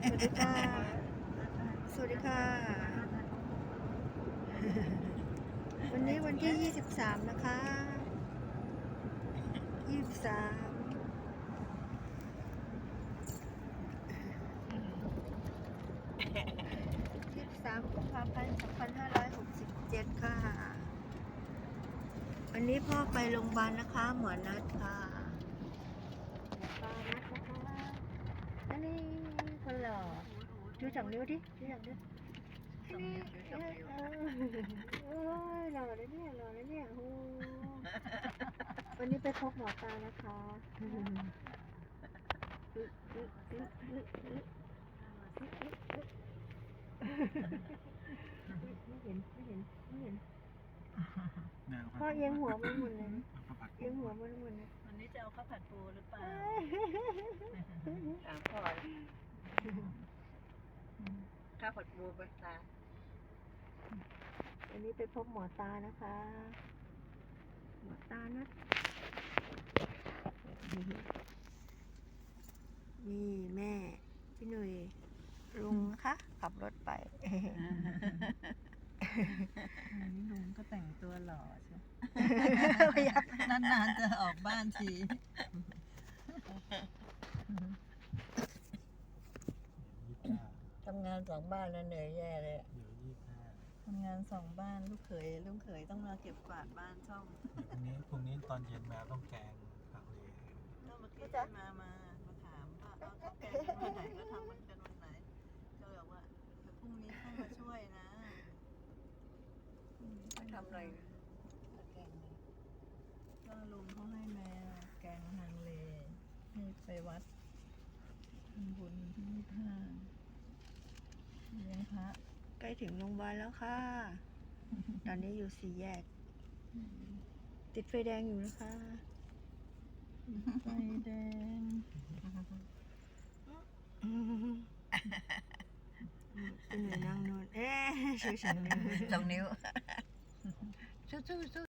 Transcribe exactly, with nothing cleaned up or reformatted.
สวัสดีค่ะ สวัสดีค่ะ วันนี้วันที่ยี่สิบสามนะคะยี่สิบสามยี่สิบสามกุมภาพันธ์สองพันห้าร้อยหกสิบเจ็ดค่ะ วันนี้พ่อไปโรงพยาบาลนะคะ หมอนัดค่ะหมอปลานัดนะคะอันนี้คนหล่อดูสองนิ้วดิดูสองนิ้วอันนี้เออเออโอ้ยหล่อเลยเนี่ยหล่อเลยเนี่ยโอ้วันนี้ไปพบหมอปลานะคะไม่เห็นไม่เห็นไม่เห็นพ่อเอียงหัวมันหมดเลยเอียงหัวมันหมดเลยวันนี้จะเอาข้าวผัดปูหรือเปล่าถามพ่อข้าวผัดปูไปตาวันนี้ไปพบหมอตานะคะหมอตานะนี่แม่พี่หนุ่ยลุงนะคะขับรถไปนี่ลุงก็แต่งตัวหล่อใช่นานๆจะออกบ้านทีทำงานสองบ้านแล้วเหนื่อยแย่เลยทำงานสองบ้านลูกเขยลูกเขยต้องมาเก็บกวาดบ้านช่องพรุ่งนี้พรุ่งนี้ตอนเย็นมาต้องแกงผักเลก็เมื่อกี้มามามาถามว่าเอาข้าวแกงวันไหนก็ทำมันกันวันไหนก็บอกว่าเดี๋ยวพรุ่งนี้ต้องมาช่วยนะทำอะไรแกงก็ลุงเขาให้แม่แกงฮังเลให้ไปวัดทำบุญที่นี่ท่าเลี้ยงพระใกล้ถึงโรงพยาบาลแล้วค่ะ ตอนนี้อยู่สี่แยก ติดไฟแดงอยู่นะคะไฟแดงเป็นหน่วยนั่งนอนเอ๊ะชูสองนิ้วสองนิ้วสู้ๆ